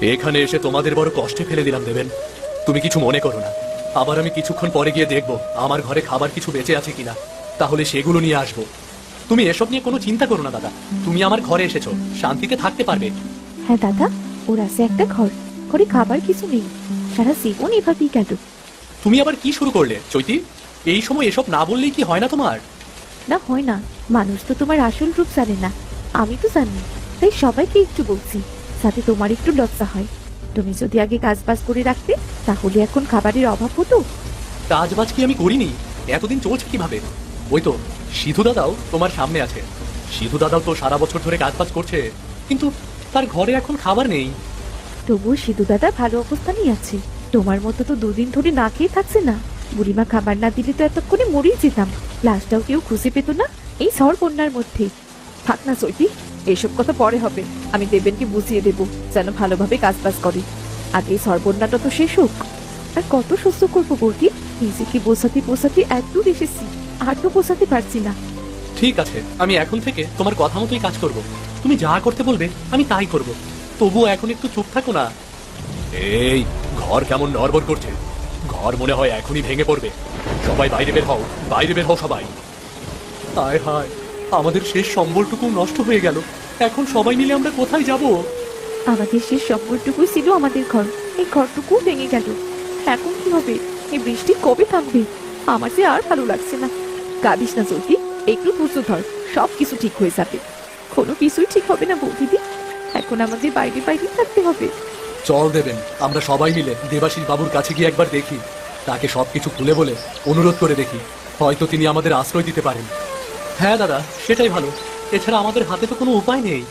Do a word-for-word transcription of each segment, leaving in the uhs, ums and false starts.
এখানে এসে তোমাদের বড় কষ্টে ফেলে দিলাম দেবেন। তুমি কিছু মনে করো না। আবার আমি কিছুক্ষণ পরে গিয়ে দেখবো আমার ঘরে খাবার কিছু বেঁচে আছে কিনা, তাহলে সেগুলো নিয়ে আসবো। তুমি এসব নিয়ে কোনো চিন্তা করো না দাদা। তুমি আমার ঘরে এসেছো, শান্তিতে থাকতে পারবে। হ্যাঁ দাদা, ওর আছে একটা ঘর, ঘরে খাবার কিছু নেই, সারা জীবন এভাবেই গেল। তুমি আবার কি শুরু করলে চৈতি? এই সময় এসব না বললেই কি হয় না তোমার? না হয় না, মানুষ তো তোমার আসল রূপ জানে না, আমি তো জানি, তাই সবাইকে একটু বলছি, যাতে তোমার একটু লজ্জা হয়। তুমি যদি আগে কাজ বাজ করে রাখতে, তাহলে এখন খাবারের অভাব হতো। কাজ বাজ কি আমি করিনি? এতদিন চলছে কিভাবে? ওই তো সিধু দাদাও তোমার সামনে আছে। সিধু দাদাও তো সারা বছর ধরে কাজ বাজ করছে, কিন্তু তার ঘরে এখন খাবার নেই। তবুও সিধু দাদা ভালো অবস্থানেই আছে, তোমার মতো তো দুদিন ধরে না খেয়ে থাকছে না। বুড়িমা খাবার না দিলে তো এতক্ষণে মরেই যেতাম, লাশটাও কেউ খুঁজে পেত না এই ঝড় বন্যার মধ্যে। থাক না চৈতি, এইসব কথা পরে হবে, আমি দেবেনকে বুঝিয়ে দেবো যেন ভালোভাবে কাজ বাজ করে। আগে এই ঝড় বন্যাটা তো শেষ হোক। আর কত সহ্য করবো বর্গি, নিজেকে বোঝাতে বোঝাতে এক দূর এসেছি, আর তো বোঝাতে পারছি না। ঠিক আছে, আমি এখন থেকে তোমার কথা মতোই কাজ করব। তুমি যা করতে বলবে আমি তাই করব। তবুও এখন একটু চুপ থাকো না। এই ঘর কেমন নড়বড় করছে, ঘর মনে হয় এখনই ভেঙে পড়বে। সবাই বাইরে বের হও, বাইরে বের হও সবাই। হায় হায়, আমাদের শেষ সম্বলটুকু নষ্ট হয়ে গেল। এখন সবাই মিলে আমরা কোথায় যাব? আমাদের শেষ সম্বলটুকুই ছিল আমাদের ঘর, এই ঘরটুকু ভেঙে গেল। এখন কি হবে? এই বৃষ্টি কবে থামবে? আমার যে আর ভালো লাগছে না। কাঁদিস না চলতি, একটু ধৈর্য ধর, সব কিছু ঠিক হয়ে যাবে। কোনো কিছুই ঠিক হবে না বৌদিদি, এখন আমাদের বাইরে বাইরে থাকতে হবে। চল দেবেন, আমরা সবাই মিলে দেবাশীষ বাবুর কাছে গিয়ে একবার দেখি, তাকে সবকিছু খুলে বলে অনুরোধ করে দেখি, হয়তো তিনি আমাদের আশ্রয় দিতে পারেন। হ্যাঁ দাদা, সেটাই ভালো। এছাড়া আমাদের হাতে তো কোনো উপায় নেই।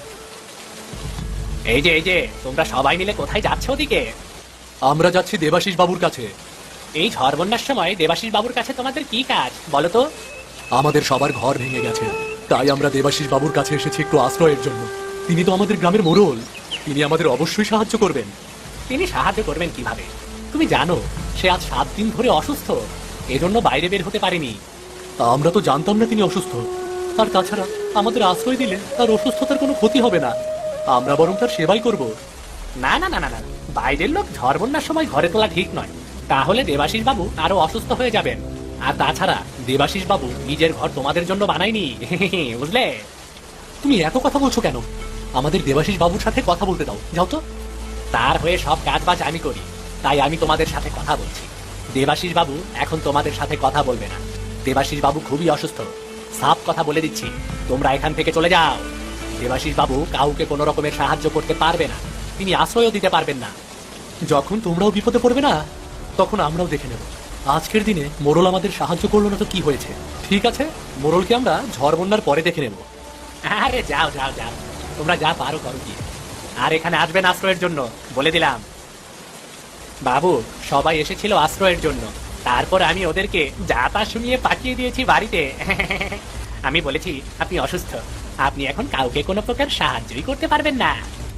এই যে এই যে তোমরা সবাই মিলে কোথায় যাচ্ছ ওদিকে? আমরা যাচ্ছি দেবাশীষ বাবুর কাছে। এই ঝড় বন্যার সময় দেবাশীষ বাবুর কাছে তোমাদের কি কাজ বলো তো? আমাদের সবার ঘর ভেঙে গেছে, তাই আমরা দেবাশীষ বাবুর কাছে এসেছি একটু আশ্রয়ের জন্য। তিনি তো আমাদের গ্রামের মোড়ল, তিনি আমাদের অবশ্যই সাহায্য করবেন। তিনি সাহায্য করবেন কিভাবে? তুমি জানো সে আজ সাত দিন ধরে অসুস্থ, এজন্য বাইরে বের হতে পারেনি। আমরা তো জানতাম না তিনি অসুস্থ। আর তাছাড়া আমাদের আশ্রয় দিলে তার অসুস্থতার কোনো ক্ষতি হবে না, আমরা বরং তার সেবাই করব। না না না না না, বাইরের লোক ঝড় বন্যার সময় ঘরে তোলা ঠিক নয়, তাহলে দেবাশীষ বাবু আরো অসুস্থ হয়ে যাবেন। আর তাছাড়া দেবাশীষ বাবু নিজের ঘর তোমাদের জন্য বানায়নি, বুঝলে? তুমি এত কথা বলছো কেন? আমাদের দেবাশীষ বাবুর সাথে কথা বলতে দাও, যাও তো। তার হয়ে সব কাজ বাজ আমি করি, তাই আমি তোমাদের সাথে কথা বলছি। দেবাশীষ বাবু এখন তোমাদের সাথে কথা বলবে না, দেবাশীষ বাবু খুবই অসুস্থ। সাফ কথা বলে দিচ্ছি, তোমরা এখান থেকে চলে যাও। দেবাশীষ বাবু কাউকে কোনো রকমের সাহায্য করতে পারবে না, তিনি আশ্রয়ও দিতে পারবেন না। যখন তোমরাও বিপদে পড়বে না, তখন আমরাও দেখে নেব। আজকের দিনে মোড়ল আমাদের সাহায্য করলো না তো কি হয়েছে? ঠিক আছে, মোড়লকে আমরা ঝড় বন্যার পরে দেখে নেব। আরে যাও যাও যাও, তোমরা যা পারো করো গিয়ে। আর এখানে আসবেন আশ্রয়ের জন্য, বলে দিলাম। বাবু, সবাই এসেছিল আশ্রয়ের জন্য, তারপর আমি ওদেরকে যা তা শুনিয়ে পাঠিয়ে দিয়েছি বাড়িতে। আমি বলেছি আপনি অসুস্থ, আপনি এখন কাউকে কোনো প্রকার সাহায্যই করতে পারবেন না।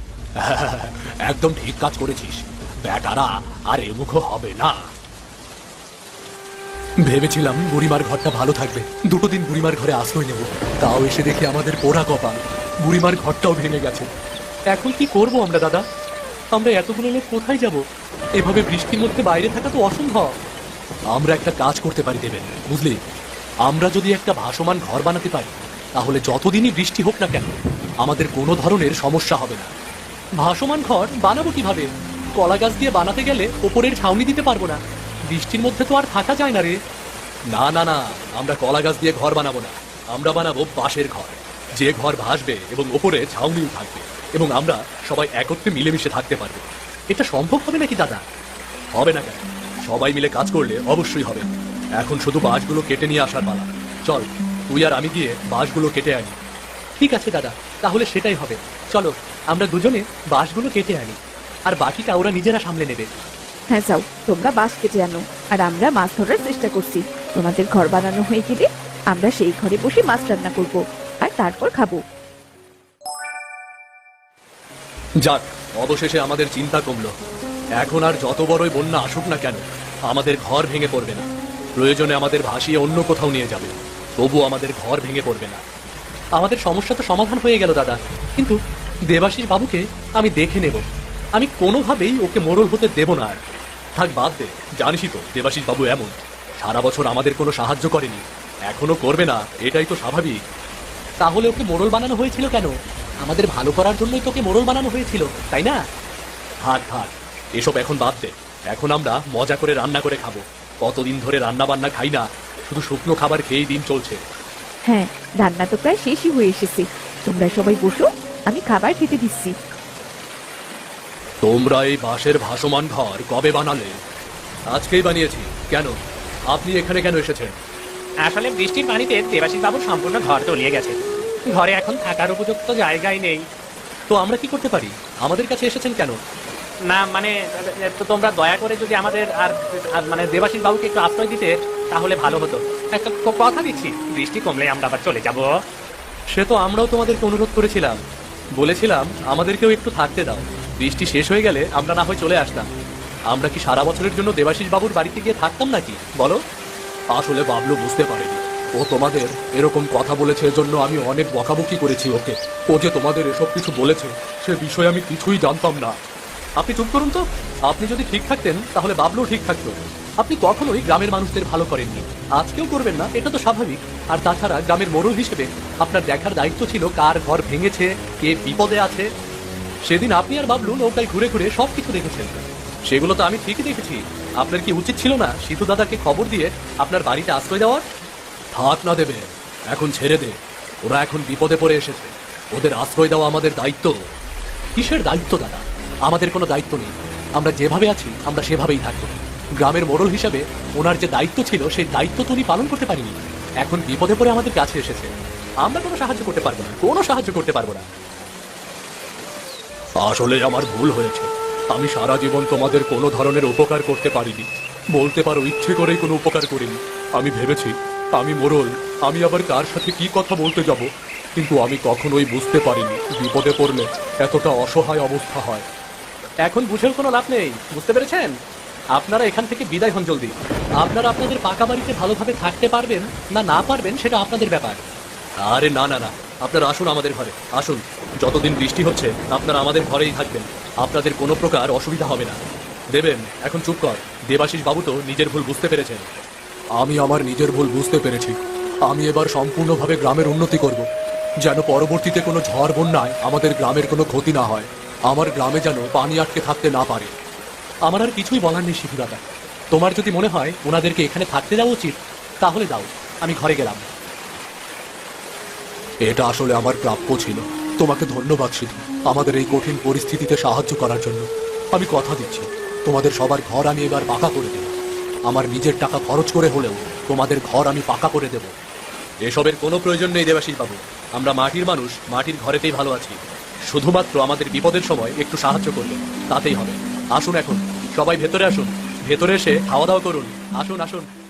একদম ঠিক কাজ করেছিস, বেটারা আর এমুখ হবে না। ভেবেছিলাম বুড়িমার ঘরটা ভালো থাকবে, দুটো দিন বুড়িমার ঘরে আশ্রয় নেব, তাও এসে দেখি আমাদের পোড়া কপাল, বুড়িমার ঘরটাও ভেঙে গেছে। এখন কি করব আমরা দাদা? আমরা এতগুলো লোক কোথায় যাব? এভাবে বৃষ্টির মধ্যে বাইরে থাকা তো অসম্ভব। আমরা একটা কাজ করতে পারি দেবেন, বুঝলি? আমরা যদি একটা ভাসমান ঘর বানাতে পারি, তাহলে যতদিনই বৃষ্টি হোক না কেন আমাদের কোনো ধরনের সমস্যা হবে না। ভাসমান ঘর বানাবো কিভাবে? কলা গাছ দিয়ে বানাতে গেলে ওপরের ছাউনি দিতে পারবো না, বৃষ্টির মধ্যে তো আর থাকা যায় না রে। না না না, আমরা কলা গাছ দিয়ে ঘর বানাবো না, আমরা বানাবো বাঁশের ঘর, যে ঘর ভাসবে এবং ওপরে ছাউনিও থাকবে, এবং আমরা সবাই একত্রে মিলেমিশে থাকতে পারবো। এটা সম্ভব হবে নাকি দাদা? হবে না কেন? সবাই মিলে কাজ করলে অবশ্যই হবে। এখন শুধু বাঁশগুলো কেটে নিয়ে আসার পালা। চল, তুই আর আমি গিয়ে বাঁশগুলো কেটে আনি। ঠিক আছে দাদা, তাহলে সেটাই হবে। চলো আমরা দুজনে বাঁশগুলো কেটে আনি, আর বাকিটা ওরা নিজেরা সামলে নেবে। হ্যাঁ যাও, তোমরা বাঁশ কেটে আনো, আর আমরা মাছ ধরার চেষ্টা করছি। তোমাদের ঘর বানানো হয়ে গেলে আমরা সেই ঘরে বসে মাছ রান্না করব, আর তারপর খাবো। যাক, অবশেষে আমাদের চিন্তা কমলো। এখন আর যত বড়ই বন্যা আসুক না কেন, আমাদের ঘর ভেঙে পড়বে না। প্রয়োজনে আমাদের ভাসিয়ে অন্য কোথাও নিয়ে যাবে, তবু আমাদের ঘর ভেঙে পড়বে না। আমাদের সমস্যা তো সমাধান হয়ে গেল দাদা, কিন্তু দেবাশীষ বাবুকে আমি দেখে নেব। আমি কোনোভাবেই ওকে মোড়ল হতে দেব না আর। থাক বাদ দে, জানিসই তো দেবাশিস বাবু এমন, সারা বছর আমাদের কোনো সাহায্য করেনি, এখনো করবে না, এটাই তো স্বাভাবিক। তাহলে ওকে মোড়ল বানানো হয়েছিল কেন? আমাদের ভালো করার জন্যই তোকে মোড়ল বানানো হয়েছিল, তাই না? থাক থাক, এসব এখন বাদ দে। এখন আমরা মজা করে রান্না করে খাবো। কতদিন ধরে রান্না বান্না খাই না, শুধু শুকনো খাবার খেয়েই দিন চলছে। হ্যাঁ, রান্না তো প্রায় শেষই হয়ে এসেছে। তোমরা সবাই বসো, আমি খাবার খেতে দিচ্ছি। তোমরা এই বাঁশের ভাসমান ঘর কবে বানালে? আজকেই বানিয়েছি। কেন, আপনি এখানে কেন এসেছেন? আসলে বৃষ্টির পানিতে দেবাশিস বাবুর সম্পূর্ণ ঘর তলিয়ে গেছে, ঘরে এখন থাকার উপযুক্ত জায়গায় নেই। তো আমরা কি করতে পারি? আমাদের কাছে এসেছেন কেন? না মানে তো তোমরা দয়া করে যদি আমাদের আর আর মানে দেবাশিস বাবুকে একটু আশ্রয় দিতে তাহলে ভালো হতো। একটা ক- কথা দিচ্ছি, বৃষ্টি কমলে আমরা আবার চলে যাব। সে তো আমরাও তোমাদেরকে অনুরোধ করেছিলাম, বলেছিলাম আমাদেরকেও একটু থাকতে দাও, বৃষ্টি শেষ হয়ে গেলে আমরা না হয় চলে আসতাম। আমরা কি সারা বছরের জন্য দেবাশিস বাবুর বাড়িতে গিয়ে থাকতাম নাকি বলো? আসলে বাবলু বুঝতে পারেনি, ও তোমাদের এরকম কথা বলেছে, এজন্য আমি অনেক বকাবকি করেছি ওকে। ও যে তোমাদের এসব কিছু বলেছে সে বিষয়ে আমি কিছুই জানতাম না। আপনি চুপ করুন তো। আপনি যদি ঠিক থাকতেন তাহলে বাবলু ঠিক থাকতো। আপনি কখনোই গ্রামের মানুষদের ভালো করেননি, আজকেও করবেন না, এটা তো স্বাভাবিক। আর তাছাড়া গ্রামের মোড়ল হিসেবে আপনার দেখার দায়িত্ব ছিল কার ঘর ভেঙেছে, কে বিপদে আছে। সেদিন আপনি আর বাবলু নৌকায় ঘুরে ঘুরে সব কিছু দেখেছেন, সেগুলো তো আমি ঠিকই দেখেছি। আপনার কি উচিত ছিল না সিধু দাদাকে খবর দিয়ে আপনার বাড়িতে আশ্রয় দেওয়ার? থাক না দেবে, এখন ছেড়ে দে। ওরা এখন বিপদে পড়ে এসেছে, ওদের আশ্রয় দেওয়া আমাদের দায়িত্ব। কিসের দায়িত্ব দাদা? আমাদের কোনো দায়িত্ব নেই, আমরা যেভাবে আছি আমরা সেভাবেই থাকবো। গ্রামের মোড়ল হিসাবে ওনার যে দায়িত্ব ছিল সেই দায়িত্ব তো উনি পালন করতে পারিনি। এখন বিপদে পড়ে আমাদের কাছে এসেছে, আমরা কোনো সাহায্য করতে পারবো না, কোনো সাহায্য করতে পারবো না। আসলে আমার ভুল হয়েছে, আমি সারা জীবন তোমাদের কোনো ধরনের উপকার করতে পারিনি, বলতে পারো ইচ্ছে করেই কোনো উপকার করিনি। আমি ভেবেছি আমি মোড়ল, আমি আবার কার সাথে কি কথা বলতে যাব, কিন্তু আমি কখনোই বুঝতে পারিনি বিপদে পড়লে এতটা অসহায় অবস্থা হয়। এখন বুঝেও কোনো লাভ নেই, বুঝতে পেরেছেন? আপনারা এখান থেকে বিদায় হন জলদি। আপনারা আপনাদের পাকা বাড়িতে ভালোভাবে থাকতে পারবেন না না পারবেন সেটা আপনাদের ব্যাপার। আরে না না না, আপনারা আসুন আমাদের ঘরে, আসুন। যতদিন বৃষ্টি হচ্ছে আপনারা আমাদের ঘরেই থাকবেন, আপনাদের কোনো প্রকার অসুবিধা হবে না। দেবেন, এখন চুপ কর। দেবাশিস বাবু তো নিজের ভুল বুঝতে পেরেছেন। আমি আমার নিজের ভুল বুঝতে পেরেছি। আমি এবার সম্পূর্ণভাবে গ্রামের উন্নতি করব, যেন পরবর্তীতে কোনো ঝড় বন্যায় আমাদের গ্রামের কোনো ক্ষতি না হয়, আমার গ্রামে যেন পানি আটকে থাকতে না পারে। আমার আর কিছুই বলার নেই সিধু দাদা, তোমার যদি মনে হয় ওনাদেরকে এখানে থাকতে দেওয়া উচিত তাহলে দাও, আমি ঘরে গেলাম। এটা আসলে আমার প্রাপ্য ছিল। তোমাকে ধন্যবাদ সিধু, আমাদের এই কঠিন পরিস্থিতিতে সাহায্য করার জন্য। আমি কথা দিচ্ছি তোমাদের সবার ঘর আমি এবার পাকা করে দেব, আমার নিজের টাকা খরচ করে হলেও তোমাদের ঘর আমি পাকা করে দেব। এসবের কোনো প্রয়োজন নেই দেবাশিস বাবু, আমরা মাটির মানুষ, মাটির ঘরেতেই ভালো আছি। শুধুমাত্র আমাদের বিপদের সময় একটু সাহায্য করবেন, তাতেই হবে। আসুন এখন সবাই ভেতরে আসুন, ভেতরে এসে খাওয়া দাওয়া করুন, আসুন আসুন।